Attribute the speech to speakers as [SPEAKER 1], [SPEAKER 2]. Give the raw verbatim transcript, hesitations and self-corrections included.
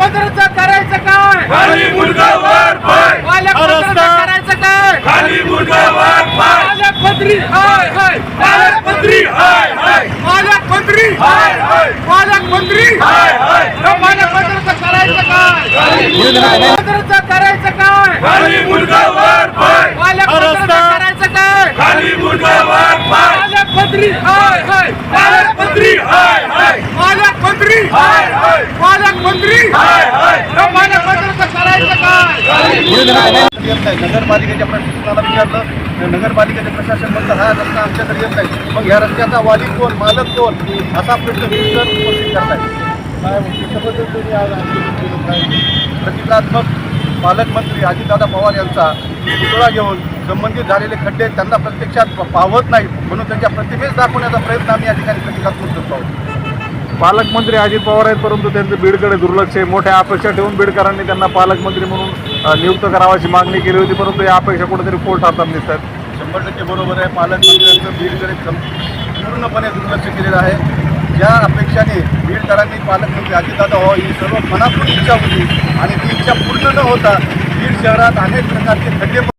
[SPEAKER 1] पालकमंत्र्यांचं करायचं काय?
[SPEAKER 2] खाली मुलगा वर पाय,
[SPEAKER 1] पालकमंत्र्यांचं करायचं काय?
[SPEAKER 2] खाली मुलगा वर पाय,
[SPEAKER 1] पालकमंत्री हाय हाय,
[SPEAKER 2] पालकमंत्री हाय हाय,
[SPEAKER 1] पालकमंत्री
[SPEAKER 2] हाय हाय,
[SPEAKER 1] पालकमंत्री
[SPEAKER 2] हाय हाय,
[SPEAKER 1] पालकमंत्र्यांचं करायचं काय? पालकमंत्र्यांचं करायचं काय?
[SPEAKER 2] खाली मुलगा वर पाय,
[SPEAKER 1] पालकमंत्र्यांचं करायचं काय?
[SPEAKER 2] खाली मुलगा वर पाय,
[SPEAKER 1] पालकमंत्री हाय हाय,
[SPEAKER 2] पालकमंत्री हाय हाय,
[SPEAKER 1] पालकमंत्री
[SPEAKER 2] हाय हाय,
[SPEAKER 1] पालकमंत्री
[SPEAKER 2] हाय हाय,
[SPEAKER 1] पालकमंत्र्यांचं करायचं काय?
[SPEAKER 3] नगरपालिकेच्या प्रशासनाला विचारलं, नगरपालिकेचे प्रशासन म्हणतं हा रस्ता आमच्याकडे येत नाही, मग ह्या रस्त्याचा वाली कोण, मालक कोण, असा प्रश्न विचार उपस्थित करताय. काय त्याच्याबद्दल तुम्ही आज आंदोलन काय प्रतिकात्मक पालकमंत्री अजितदादा पवार यांचा पुतळा घेऊन संबंधित झालेले खड्डे त्यांना प्रत्यक्षात पावत नाहीत म्हणून त्यांच्या प्रतिमेस दाखवण्याचा प्रयत्न आम्ही या ठिकाणी प्रतिकात्मक करतो आहोत.
[SPEAKER 4] पालकमंत्री अजित पवार आहेत, परंतु त्यांचं बीडकडे दुर्लक्ष आहे. मोठ्या अपेक्षा ठेवून बीडकरांनी त्यांना पालकमंत्री म्हणून नियुक्त करावाची मागणी केली होती, परंतु या अपेक्षा कुठेतरी पोट हातात दिसतात.
[SPEAKER 3] शंभर टक्के बरोबर आहे. पालकमंत्र्यांचं बीडकडे पूर्णपणे दुर्लक्ष केलेलं आहे. ज्या अपेक्षाने बीडकरांनी पालकमंत्री अजितदादा व्हावं ही सर्व मनातून इच्छा होती आणि ती इच्छा पूर्ण न होता बीड शहरात अनेक प्रकारचे खड्डे